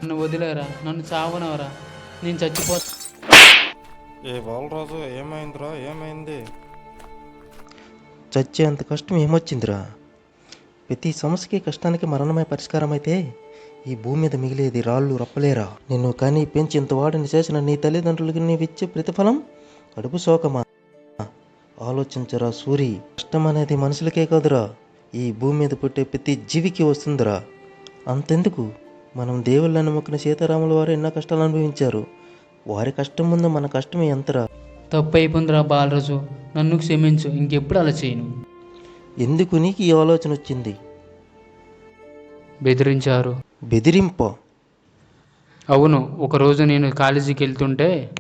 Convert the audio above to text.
నన్ను వదిలేరా, నన్ను చావనవరా, నేను చచ్చిపోతా. ఏ బాలరాజు, ఏమైందిరా? ఏమైంది? చచ్చేంత కష్టం ఏమొచ్చిందిరా? ప్రతి సమస్యకి కష్టానికి మరణమే పరిష్కారం అయితే ఈ భూమి మీద మిగిలేది రాళ్ళు రప్పలేరా? నిన్ను కానీ పెంచి ఇంత వాడిని చేసిన నీ తల్లిదండ్రులకి నీవిచ్చే ప్రతిఫలం కడుపు శోకమా? ఆలోచించరా సూరి. కష్టం అనేది మనుషులకే కాదురా, ఈ భూమి మీద పుట్టే ప్రతి జీవికి వస్తుందిరా. అంతెందుకు, మనం దేవుళ్ళని మొక్కిన సీతారాముల వారు ఎన్నో కష్టాలు అనుభవించారు. వారి కష్టం ముందు మన కష్టం ఎంతరా? తప్పు అయిపోయిందిరా బాలరాజు, నన్ను క్షమించు, ఇంకెప్పుడు అలా చేయను. ఎందుకు నీకు ఈ ఆలోచన వచ్చింది? బెదిరించారు. బెదిరింప? అవును, ఒకరోజు నేను కాలేజీకి వెళ్తుంటే